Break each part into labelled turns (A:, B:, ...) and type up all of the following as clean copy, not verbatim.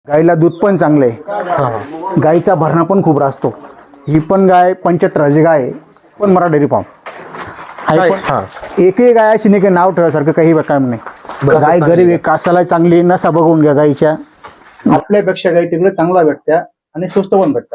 A: गाईला दूध पण चांगलं आहे. गाईचा भरणा पण खूप राहतो. ही पण गाय 75 गाय आहे, पण मराठा डेअरी फार्म आहे. पण एकही गाय अशी नाही की नाव ठेवायसारखं काही काम नाही. गाय गरीब आहे, कासाला चांगली, नसा बघून घ्या गाईच्या. आपल्यापेक्षा गाई तिकडे चांगला भेटत्या आणि स्वस्त पण भेटत्या.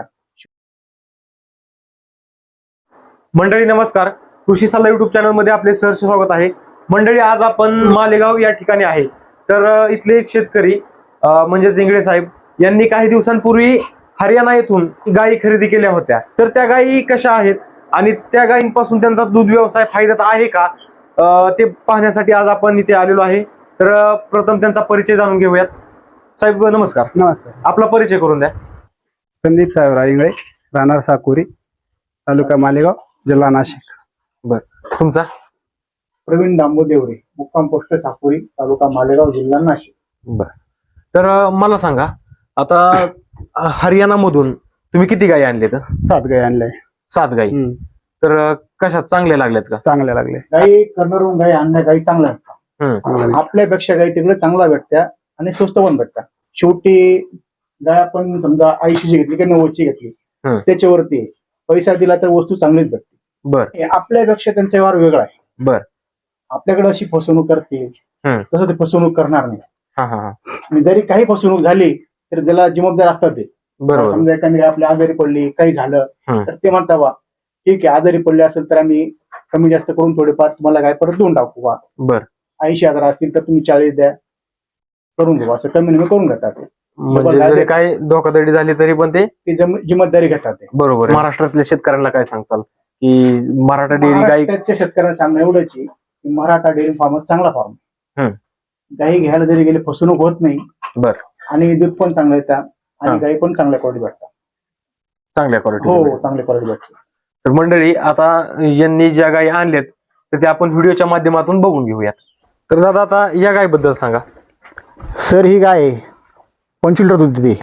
B: मंडळी नमस्कार, कृषी सल्ला युट्यूब चॅनल मध्ये आपले सहर्ष स्वागत आहे. मंडळी आज आपण मालेगाव या ठिकाणी आहे. तर इथले एक शेतकरी म्हणजे जिंगडे साहेब यांनी काही दिवसांपूर्वी हरियाणा येथून गायी खरेदी केल्या होत्या. तर त्या गायी कशा आहेत आणि त्या गायींपासून त्यांचा दूध व्यवसाय फायद्यात आहे का ते पाहण्यासाठी आज आपण इथे आलेलो आहे. तर प्रथम त्यांचा परिचय जाणून घेऊयात. साहेब नमस्कार.
A: नमस्कार.
B: आपला परिचय करून द्या.
A: संदीप साहेब इंगळे, राहणार साकुरी, तालुका मालेगाव, जिल्हा नाशिक.
B: बर, तुमचा?
A: प्रवीण दामो देवरे, मुक्काम पोस्ट साकुरी, तालुका मालेगाव, जिल्हा नाशिक.
B: बर, तर मला सांगा, आता हरियाणा मधून तुम्ही किती गायी आणले? तर
A: 7 गाई आणल्या.
B: 7 गायी. तर कशा चांगल्या लागल्यात का?
A: चांगल्या लागले. गाई कर्नरून गाई आणल्या, गाई चांगल्या भेटतात. आपल्यापेक्षा गाई तिकडे चांगला भेटत्या आणि स्वस्त पण भेटतात. शेवटी गाय आपण समजा 80ची घेतली की 90ची घेतली त्याच्यावरती पैसा दिला तर वस्तू चांगलीच भेटते.
B: बर,
A: आपल्यापेक्षा त्यांचा व्यवहार वेगळा आहे.
B: बर,
A: आपल्याकडे अशी फसवणूक करतील तसं ते फसवणूक करणार नाही. आणि जरी काही फसवणूक झाली तर त्याला जबाबदार असतात ते.
B: बरोबर.
A: समजा एखादी आपल्या आजारी पडली, काही झालं तर ते म्हणता बा ठीक आहे, आजारी पडले असेल तर आम्ही कमी जास्त करून थोडेफार तुम्हाला काय परत देऊन टाकू बा.
B: बर,
A: 80,000 असतील तर तुम्ही 40 द्या, करून घेऊ, असं कमी कमी करून घेतात.
B: म्हणजे जरी काही धोकाधडी झाली तरी पण ते
A: जिम्मेदारी घेतात ते.
B: बरोबर. महाराष्ट्रातल्या शेतकऱ्यांना काय सांगताल की मराठा डेअरी गाई?
A: महाराष्ट्राच्या शेतकऱ्यांना सांगणं एवढंच आहे की मराठा डेअरी फार्म चांगला फार्म. गाई घ्यायला जरी गेले फसवणूक होत नाही.
B: बर,
A: आणि दूध पण चांगलं येतात आणि गाई पण चांगल्या क्वालिटी भेटतात.
B: चांगल्या क्वालिटी.
A: हो, चांगल्या क्वालिटी भेटतात.
B: तर मंडळी, आता यांनी ज्या गायी आणल्यात तर त्या आपण व्हिडिओच्या माध्यमातून बघून घेऊयात. तर दादा, आता या गायीबद्दल सांगा.
A: सर, ही गाय 25 लिटर दूध देते.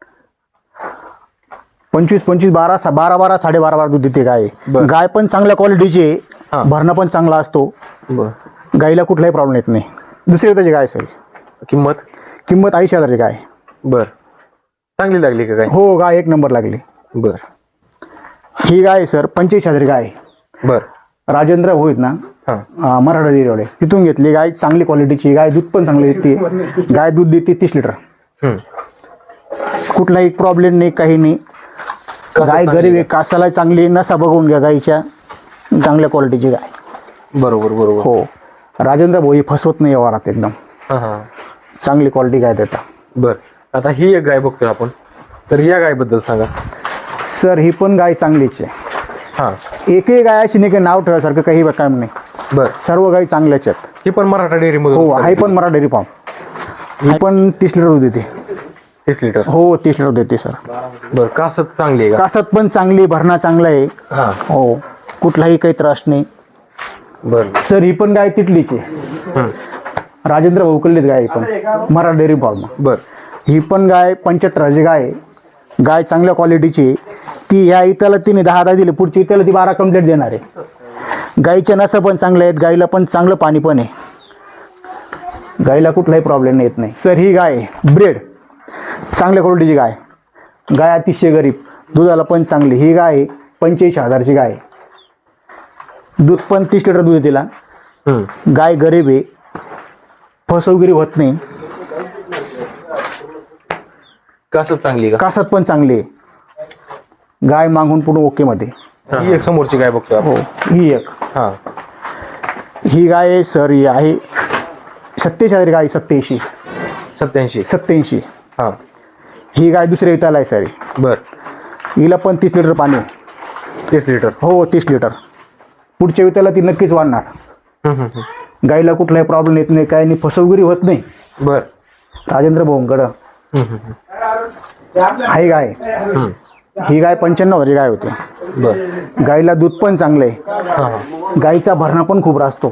A: 25 12 12.5 दूध देते गाय. गाय पण चांगल्या क्वालिटीची आहे, भरणा पण चांगला असतो. गायीला कुठलाही प्रॉब्लेम येत नाही. दुसरी त्याची गाय सर.
B: किंमत
A: 80,000 गाय.
B: बर, चांगली लागली का गाय?
A: हो, गाय 1 नंबर लागली.
B: बर,
A: ही गाय सर 25,000 गाय.
B: बर,
A: राजेंद्र होईत ना, मराठा डेअरी तिथून घेतली गाय. चांगली क्वालिटीची गाय, दूध पण चांगली देते. गाय दूध देते 30 लिटर. कुठलाही प्रॉब्लेम नाही, काही नाही. गाय गरीब आहे, कासाला चांगली, नसा बघून घ्या गायच्या. चांगल्या क्वालिटीची गाय.
B: बरोबर बरोबर.
A: हो, राजेंद्र भाऊ फसवत नाही व्यवहारात, एकदम चांगली क्वालिटी गाय देतात.
B: बर, आता ही एक गाय बघतोय आपण, तर या गायबद्दल सांगा.
A: सर, ही पण गाय चांगलीच आहे. एकही गाय अशी नाही की नाव ठेवायसारखं काही काम नाही.
B: बर,
A: सर्व गायी चांगल्याच आहेत.
B: ही पण मराठा डेअरी मध्ये?
A: हो, आहे पण मराठा डेअरी फार्म. ही पण 30 लिटर दूध देते.
B: 30 लिटर?
A: हो, 30 लिटर देते सर.
B: बर, कासत चांगली आहे का?
A: कासत पण चांगली, भरणा चांगला आहे. हो, कुठलाही काही त्रास नाही.
B: बर
A: सर, ही पण गाय तिथलीच आहे. राजेंद्र भाऊ कल्लीच गाय पण मराठा डेअरी फार्म.
B: बर,
A: ही पण गाय 75 गाय आहे. गाय चांगल्या क्वालिटीची. ती ह्या इथला तिने 10 दिली, पुढची इथला ती 12 कंप्लीट देणार आहे. गाईच्या नसा पण चांगल्या आहेत. गाईला पण चांगलं पाणी पण आहे. गाईला कुठलाही प्रॉब्लेम येत नाही. सर, ही गाय ब्रेड चांगल्या क्वालिटीची गाय. गाय अतिशय गरीब, दुधाला पण चांगली. ही गाय 85,000 गाय. दूध पण 30 लिटर दूध तिला. गाय गरीब आहे, फसवगिरी होत नाही.
B: कासत चांगली का?
A: कासत पण चांगली आहे. गाय मागून पूर्ण ओके मध्ये.
B: ही एक समोरची गाय बघतोय आपण.
A: हो, ही एक. ही गाय सर ही आहे 87,000 गाय. 87. ही गाय दुसऱ्या इथला आहे सर.
B: बर,
A: हिला पण 30 लिटर पाणी.
B: 30 लिटर?
A: हो, 30 लिटर. पुढच्या वित्याला ती नक्कीच वाढणार. गायीला कुठलाही प्रॉब्लेम येत नाही, काही नाही, फसवगिरी होत नाही.
B: बर,
A: राजेंद्र भाऊंकडं आहे गाय. ही गाय 95,000 गाय होती.
B: बर,
A: गायीला दूध पण चांगलं आहे. गायीचा भरणा पण खूप राहतो.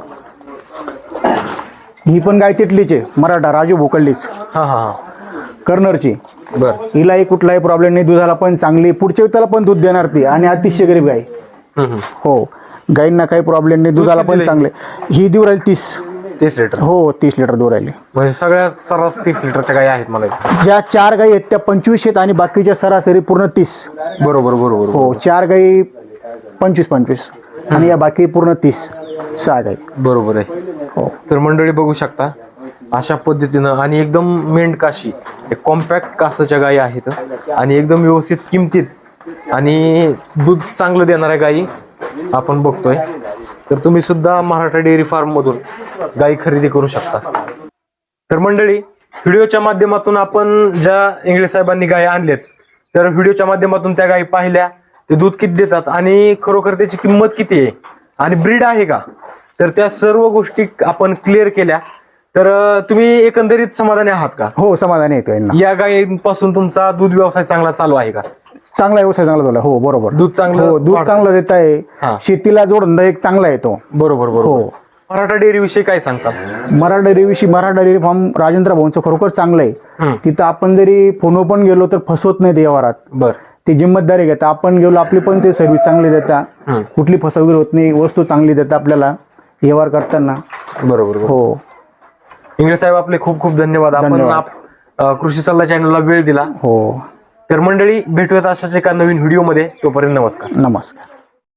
A: ही पण गाय तिथलीच आहे, मराठा राजू भोकल्लीच, कर्नरची.
B: बर,
A: हिलाही कुठलाही प्रॉब्लेम नाही. दुधाला पण चांगली, पुढच्या वित्याला पण दूध देणार ती. आणि अतिशय गरीब गाय. हो, गायींना काही प्रॉब्लेम नाही, दुधाला पण चांगले. ही देऊ राहील 30.
B: 30 लिटर
A: हो 30 लिटर दूध राहिले.
B: म्हणजे सगळ्या सर्रास 30 लिटरच्या गायी आहेत मला इथे.
A: ज्या 4 गाई आहेत त्या 25 आहेत आणि बाकीच्या सरासरी पूर्ण 30.
B: बरोबर बरोबर
A: हो 4 गाई 25 आणि या बाकी पूर्ण 30 6 गाई.
B: बरोबर आहे.
A: हो
B: तर मंडळी बघू शकता अशा पद्धतीनं आणि एकदम मेंढकाशी कॉम्पॅक्ट कासच्या गायी आहेत आणि एकदम व्यवस्थित किमतीत आणि दूध चांगलं देणाऱ्या गायी आपण बघतोय. तर तुम्ही सुद्धा मराठा डेअरी फार्म मधून गायी खरेदी करू शकता. तर मंडळी व्हिडिओच्या माध्यमातून आपण ज्या इंगळे साहेबांनी गायी आणल्यात तर व्हिडिओच्या माध्यमातून त्या गायी पाहिल्या, ते दूध किती देतात आणि खरोखर त्याची किंमत किती आहे आणि ब्रीड आहे का, तर त्या सर्व गोष्टी आपण क्लिअर केल्या. तर तुम्ही एकंदरीत समाधानी आहात का?
A: हो समाधानी येतो यांना.
B: या गायीपासून तुमचा दूध व्यवसाय चांगला चालू आहे का?
A: चांगला व्यवसाय चांगला झाला. हो बरोबर.
B: दूध चांगलं
A: हो दूध
B: वाढतं.
A: चांगलं देत
B: हा.
A: आहे. शेतीला जोडधंदा एक चांगला येतो.
B: बरोबर बरोबर.
A: हो
B: मराठा डेअरी विषयी काय सांगतात?
A: मराठा डेअरी फार्म राजेंद्र भाऊंचं खरोखर चांगलं आहे.
B: हम्म.
A: तिथं आपण जरी फोनवर पण गेलो तर फसवत नाही ते व्यवहारात.
B: बर.
A: ते जिम्मेदारी घेतात. आपण गेलो आपली पण ते सर्व्हिस चांगली देतात.
B: हम्म.
A: कुठली फसवणूक होत नाही. वस्तू चांगली देतात आपल्याला व्यवहार करताना.
B: बरोबर बरोबर.
A: हो
B: इंगळे साहेब आपले खूप खूप धन्यवाद. आपण
A: धन्यवाद.
B: कृषी सल्ला चॅनलला वेळ दिला.
A: हो
B: तर मंडळी भेटूयात अशाच एका नवीन व्हिडिओमध्ये. तोपर्यंत नमस्कार.
A: नमस्कार.